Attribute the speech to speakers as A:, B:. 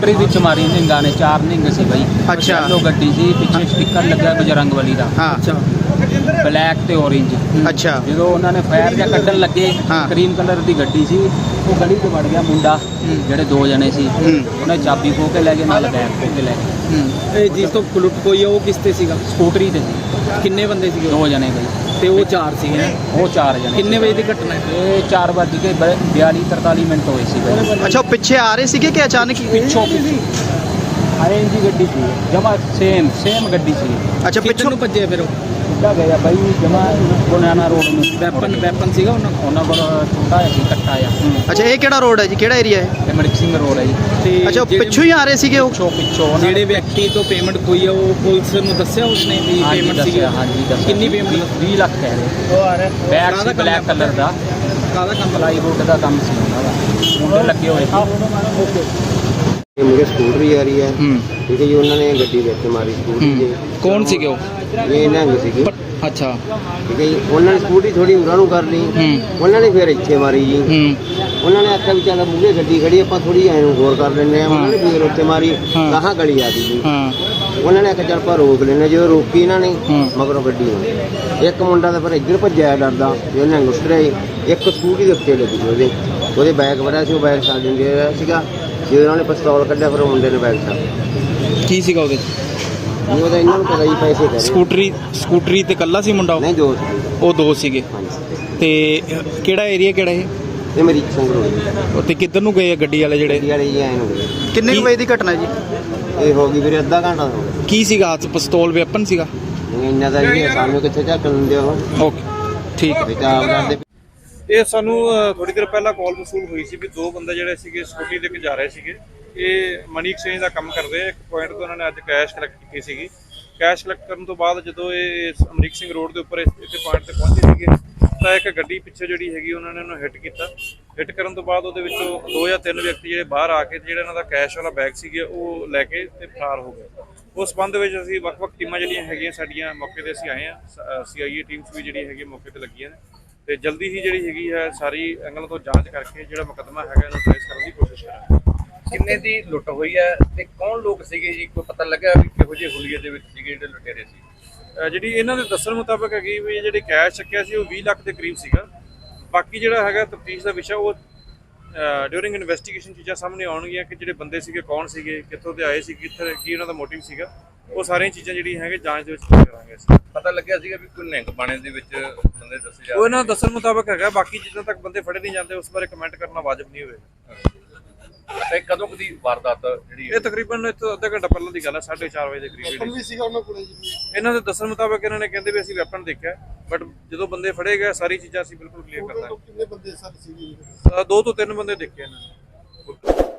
A: ਸਕੂਟਰੀ ਵਿੱਚ ਮਾਰੀ ਨਿੰਗਾ ਨੇ, 4 ਨਿੰਗ ਸੀ ਬਈ।
B: ਅੱਛਾ।
A: ਲੋ ਗੱਡੀ ਸੀ, ਪਿੱਛੇ ਸਟicker ਲੱਗਾ ਬਜਰੰਗਬਲੀ ਦਾ।
B: ਹਾਂ।
C: ਅੱਛਾ
A: ਬਲੈਕ ਤੇ ਔਰੇਂਜ।
B: ਅੱਛਾ।
A: ਜਦੋਂ ਉਹਨਾਂ ਨੇ ਫਾਇਰ ਜਾਂ ਕੱਢਣ ਲੱਗੇ,
B: ਹਾਂ।
A: ਕਰੀਮ ਕਲਰ ਦੀ ਗੱਡੀ ਸੀ, ਉਹ ਗਲੀ 'ਚ ਵੜ ਗਿਆ ਮੁੰਡਾ, ਜਿਹੜੇ 2 ਜਣੇ ਸੀ। ਉਹਨੇ ਚਾਬੀ ਖੋਹ ਕੇ ਲੈ ਗਏ, ਨਾਲ ਬੈਗ ਖੋਹ ਕੇ ਲੈ ਗਏ।
C: ਇਹ ਜਿਸ ਤੋਂ ਲੁੱਟ ਹੋਈ ਆ ਉਹ ਕਿਸ ਤੇ ਸੀਗਾ?
A: ਸਕੂਟਰੀ ਤੇ ਸੀ।
C: ਕਿੰਨੇ ਬੰਦੇ ਸੀਗੇ?
A: 2 ਜਣੇ ਬਈ।
C: ਤੇ ਉਹ 4 ਸੀਗੇ ਹੈਂ?
A: ਉਹ 4 ਜਣੇ।
C: ਕਿੰਨੇ ਵਜੇ ਦੀ ਘਟਨਾ ਹੈ?
A: ਇਹ 4:42-43 ਮਿੰਟ ਹੋਏ ਸੀ ਬਈ।
B: ਅੱਛਾ, ਉਹ ਪਿੱਛੇ ਆ ਰਹੇ ਸੀਗੇ ਕਿ ਅਚਾਨਕ ਹੀ?
A: ਪਿੱਛੋਂ ਆਰੇਂਜ ਦੀ ਗੱਡੀ ਸੀ, ਜਮਾ ਸੇਮ ਗੱਡੀ ਸੀ।
B: ਅੱਛਾ,
C: ਪਿੱਛੋਂ
B: ਪਿੱਛੋਂ
C: ਨੂੰ ਭੱਜੇ ਫਿਰ ਉਹ?
A: ਸਿੱਧਾ ਗਿਆ ਬਾਈ, ਜਮਾ ਗੁਨਾਨਾ ਰੋਡ ਨੂੰ।
C: ਵੈਪਨ ਸੀਗਾ
A: ਉਹਨਾਂ ਕੋਲ ਛੋਟਾ ਜਿਹਾ ਸੀ, ਕੱਟਾ ਆ।
B: ਅੱਛਾ, ਇਹ ਕਿਹੜਾ ਰੋਡ ਹੈ ਜੀ, ਕਿਹੜਾ ਏਰੀਆ ਹੈ?
A: ਤੇ ਮੜਕ ਸਿੰਘ ਰੋਡ ਹੈ ਜੀ।
C: ਤੇ
B: ਅੱਛਾ, ਉਹ ਪਿੱਛੋਂ ਹੀ ਆ ਰਹੇ ਸੀਗੇ ਉਹ?
A: ਪਿੱਛੋਂ ਉਹਨਾਂ
C: ਜਿਹੜੇ ਵਿਅਕਤੀ ਤੋਂ ਪੇਮੈਂਟ ਹੋਈ ਆ ਉਹ ਪੁਲਿਸ ਨੂੰ ਦੱਸਿਆ ਉਸਨੇ ਵੀ ਪੇਮੈਂਟ ਸੀਗੀ?
A: ਹਾਂਜੀ ਦੱਸਿਆ।
C: ਕਿੰਨੀ ਪੇਮੈਂਟ?
A: 20 ਲੱਖ ਕਹਿ ਰਹੇ।
C: ਉਹ ਆ ਰਿਹਾ
A: ਬੈਗ ਸੀ ਬਲੈਕ ਕਲਰ ਦਾ,
C: ਕਾਹਦਾ ਕੰਮ?
A: ਪਲਾਈਵੁੱਡ ਦਾ ਕੰਮ ਸੀ ਉਹਨਾਂ ਦਾ, ਮੁੰਡੇ ਲੱਗੇ ਹੋਏ ਸੀ।
C: ਓਕੇ।
D: ਇਹ ਮੁੰਡੇ ਸਕੂਟਰੀ ਆ ਰਹੀ ਹੈ, ਠੀਕ ਹੈ ਜੀ। ਉਹਨਾਂ ਨੇ ਗੱਡੀ ਵਿੱਚ ਮਾਰੀ ਸਕੂਟਰੀ ਦੇ।
C: ਕੌਣ ਸੀਗੇ ਉਹ?
D: ਇਹ ਨਿਹੰਗ ਸੀਗੇ,
C: ਅੱਛਾ।
D: ਠੀਕ ਹੈ ਜੀ। ਉਹਨਾਂ ਨੇ ਸਕੂਟਰੀ ਥੋੜੀ ਉਰਾਂ ਨੂੰ ਕਰ ਲਈ, ਉਹਨਾਂ ਨੇ ਫਿਰ ਇੱਥੇ ਮਾਰੀ ਜੀ। ਉਹਨਾਂ ਨੇ ਆਖਿਆ ਵੀ ਚੱਲ ਮੂਹਰੇ ਗੱਡੀ ਖੜੀ, ਆਪਾਂ ਥੋੜੀ ਐਂ ਨੂੰ ਗੌਰ ਕਰ ਲੈਂਦੇ ਆ। ਉਹਨਾਂ ਨੇ ਫਿਰ ਉੱਥੇ ਮਾਰੀ, ਗਾਹਾਂ ਗਲੀ ਆ ਗਈ ਜੀ। ਉਹਨਾਂ ਨੇ ਆਖਿਆ ਚੱਲ ਆਪਾਂ ਰੋਕ ਲੈਂਦੇ। ਜਦੋਂ ਰੋਕੀ ਇਹਨਾਂ ਨੇ, ਮਗਰੋਂ ਗੱਡੀ ਹੋਈ। ਇੱਕ ਮੁੰਡਾ ਤਾਂ ਫਿਰ ਇੱਧਰ ਭੱਜਿਆ ਡਰਦਾ, ਜੇ ਨਿਹੰਗ ਉਤਰਿਆ। ਇੱਕ ਸਕੂਟਰੀ ਦੇ ਉੱਤੇ ਲੱਗੀ ਉਹਦੇ ਬੈਗ ਵੜਿਆ ਸੀ, ਉਹ ਬੈਗ ਛੱਡ ਦਿੰਦੇ ਸੀਗਾ। ਜਦੋਂ ਉਹਨਾਂ ਨੇ ਪਿਸਤੌਲ ਕੱਢਿਆ, ਫਿਰ ਉਹ ਮੁੰਡੇ ਨੇ ਬੈਗ ਛੱਡ।
C: ਕੀ ਸੀਗਾ ਉਹਦੇ?
D: ਉਹਦਾ ਇਹਨਾਂ ਨੂੰ ਪਤਾ ਜੀ ਪੈਸੇ ਕਰੇ।
C: ਸਕੂਟਰੀ ਤੇ ਕੱਲਾ ਸੀ ਮੁੰਡਾ?
D: ਨਹੀਂ, 2 ਸੀ।
C: ਉਹ 2 ਸੀਗੇ।
D: ਹਾਂਜੀ।
C: ਤੇ ਕਿਹੜਾ ਏਰੀਆ ਕਿਹੜਾ ਇਹ?
D: ਇਹ ਮੇਰੀ ਸੰਗਰੂਰ
C: ਤੇ ਕਿੱਧਰ ਨੂੰ ਗਏ ਆ ਗੱਡੀ ਵਾਲੇ ਜਿਹੜੇ?
D: ਗੱਡੀ ਵਾਲੇ ਜੀ ਆਏ ਨੂੰ ਗਏ।
B: ਕਿੰਨੇ ਕੁ ਵਜੇ ਦੀ ਘਟਨਾ ਜੀ?
D: ਇਹ ਹੋ ਗਈ ਵੀਰੇ ਅੱਧਾ ਘੰਟਾ ਹੋ ਗਿਆ।
C: ਕੀ ਸੀਗਾ ਹੱਥ? ਪਿਸਤੌਲ ਵੈਪਨ ਸੀਗਾ?
D: ਇੰਨਾ ਦਾ ਜੀ ਸਾਨੂੰ ਕਿੱਥੇ ਝੱਕ ਲੈਂਦੇ ਉਹ।
C: ਓਕੇ, ਠੀਕ ਹੈ।
D: ਬੇਟਾ ਆਪ ਕਰਦੇ।
E: ਇਹ ਸਾਨੂੰ ਥੋੜੀ ਦੇਰ ਪਹਿਲਾਂ ਕਾਲ ਮਸੂਲ ਹੋਈ ਸੀ ਵੀ 2 ਬੰਦੇ ਜਿਹੜੇ ਸੀਗੇ ਸਕੂਟੀ ਤੇ ਜਾ ਰਹੇ ਸੀਗੇ। ਇਹ ਮਨੀ ਐਕਸਚੇਂਜ ਦਾ ਕੰਮ ਕਰਦੇ ਆ। ਇੱਕ ਪੁਆਇੰਟ ਤੋਂ ਉਹਨਾਂ ਨੇ ਅੱਜ ਕੈਸ਼ ਕਲੈਕਟ ਕੀਤੀ ਸੀਗੀ। ਕੈਸ਼ ਕਲੈਕਟ ਕਰਨ ਤੋਂ ਬਾਅਦ ਜਦੋਂ ਇਹ ਅਮਰੀਕ ਸਿੰਘ ਰੋਡ ਦੇ ਉੱਪਰ ਇੱਥੇ ਪੁਆਇੰਟ ਤੇ ਪਹੁੰਚੇ ਸੀਗੇ, ਤਾਂ ਇੱਕ ਗੱਡੀ ਪਿੱਛੇ ਜਿਹੜੀ ਹੈਗੀ ਉਹਨਾਂ ਨੇ ਉਹਨੂੰ ਹਿੱਟ ਕੀਤਾ। ਹਿੱਟ ਕਰਨ ਤੋਂ ਬਾਅਦ ਉਹਦੇ ਵਿੱਚੋਂ 2 ਜਾਂ 3 ਵਿਅਕਤੀ ਜਿਹੜੇ ਬਾਹਰ ਆ ਕੇ ਜਿਹੜਾ ਇਹਨਾਂ ਦਾ ਕੈਸ਼ ਵਾਲਾ ਬੈਗ ਸੀਗੇ ਉਹ ਲੈ ਕੇ ਤੇ ਫਰਾਰ ਹੋ ਗਏ। ਉਸ ਸੰਬੰਧ ਵਿੱਚ ਅਸੀਂ ਵੱਖ-ਵੱਖ ਟੀਮਾਂ ਜਿਹੜੀਆਂ ਹੈਗੀਆਂ ਸਾਡੀਆਂ ਮੌਕੇ ਤੇ ਅਸੀਂ ਆਏ ਹਾਂ। CIA ਟੀਮਸ ਵੀ ਜਿਹੜੀ ਹੈਗੀ ਮੌਕੇ ਤੇ ਲੱਗੀਆਂ ਨੇ, ਤੇ ਜਲਦੀ ਹੀ ਜਿਹੜੀ ਹੈਗੀ ਹੈ ਸਾਰੀ ਐਂਗਲ ਤੋਂ ਜਾਂਚ ਕਰਕੇ ਜਿਹੜਾ ਮੁਕੱਦਮਾ ਹੈਗਾ ਇਹਨੂੰ ਟ੍ਰੇਸ ਕਰਨ ਦੀ ਕੋਸ਼ਿਸ਼ ਕਰਾਂਗੇ।
F: ਕਿੰਨੇ ਦੀ ਲੁੱਟ ਹੋਈ ਹੈ ਤੇ ਕੌਣ ਲੋਕ ਸੀਗੇ ਜੀ? ਕੋਈ ਪਤਾ ਲੱਗਾ ਵੀ ਕਿਹੋ ਜਿਹੇ ਹੁਲੀਏ ਦੇ ਵਿੱਚ ਸੀਗੇ ਜਿਹੜੇ ਲੁਟੇਰੇ ਸੀ?
E: ਜਿਹੜੀ ਇਹਨਾਂ ਦੇ ਦੱਸਣ ਮੁਤਾਬਕ ਹੈਗੀ ਵੀ ਜਿਹੜੇ ਕੈਸ਼ ਚੱਕਿਆ ਸੀ ਉਹ 20 ਲੱਖ ਦੇ ਕਰੀਬ ਸੀਗਾ। ਬਾਕੀ ਜਿਹੜਾ ਹੈਗਾ ਤਫਤੀਸ਼ ਦਾ ਵਿਸ਼ਾ, ਉਹ ਡਿਊਰਿੰਗ ਇਨਵੈਸਟੀਗੇਸ਼ਨ ਚੀਜ਼ਾਂ ਸਾਹਮਣੇ ਆਉਣਗੀਆਂ ਕਿ ਜਿਹੜੇ ਬੰਦੇ ਸੀਗੇ ਕੌਣ ਸੀਗੇ, ਕਿੱਥੋਂ ਦੇ ਆਏ ਸੀ, ਕਿੱਥੇ ਕੀ ਉਹਨਾਂ ਦਾ ਮੋਟਿਵ ਸੀਗਾ। ਉਹ ਸਾਰੀਆਂ ਚੀਜ਼ਾਂ ਜਿਹੜੀਆਂ ਹੈਗੇ ਜਾਂਚ ਦੇ ਵਿੱਚ ਕਰਾਂਗੇ ਅਸੀਂ।
F: ਪਤਾ ਲੱਗਿਆ ਸੀਗਾ ਵੀ ਕੋਈ ਨਿਹੰਗ ਬਾਣੇ ਦੇ ਵਿੱਚ ਬੰਦੇ ਦੱਸੇ ਜਾ
E: ਉਹ ਇਹਨਾਂ ਦੱਸਣ ਮੁਤਾਬਕ ਹੈਗਾ। ਬਾਕੀ ਜਿੱਦਾਂ ਤੱਕ ਬੰਦੇ ਫੜੇ ਨਹੀਂ ਜਾਂਦੇ ਉਸ ਬਾਰੇ ਕਮੈਂਟ ਕਰਨਾ ਵਾਜਬ ਨਹੀਂ ਹੋਵੇਗਾ।
F: ਤੇ ਕਦੋਂ ਕਦੀ ਵਾਰਦਾਤ ਜਿਹੜੀ
E: ਇਹ ਤਕਰੀਬਨ ਇੱਥੋਂ ਅੱਧਾ ਘੰਟਾ ਪਹਿਲਾਂ ਦੀ ਗੱਲ ਹੈ, 4:30 ਵਜੇ ਦੇ ਕਰੀਬ ਵੀ ਸੀਗਾ ਉਹਨਾਂ ਕੋਲ। ਇਹਨਾਂ ਦੇ ਦੱਸਣ ਮੁਤਾਬਕ ਇਹਨਾਂ ਨੇ ਕਹਿੰਦੇ ਵੀ ਅਸੀਂ ਵੈਪਨ ਦੇਖਿਆ, ਬਟ ਜਦੋਂ ਬੰਦੇ ਫੜੇ ਗਏ ਸਾਰੀ ਚੀਜ਼ਾਂ ਅਸੀਂ ਬਿਲਕੁਲ ਕਲੀਅਰ ਕਰ ਦਾਂਗੇ। ਕਿੰਨੇ ਬੰਦੇ ਸਰ ਸੀ? 2 ਤੋਂ 3 ਬੰਦੇ ਦੇਖੇ ਇਹਨਾਂ ਨੇ।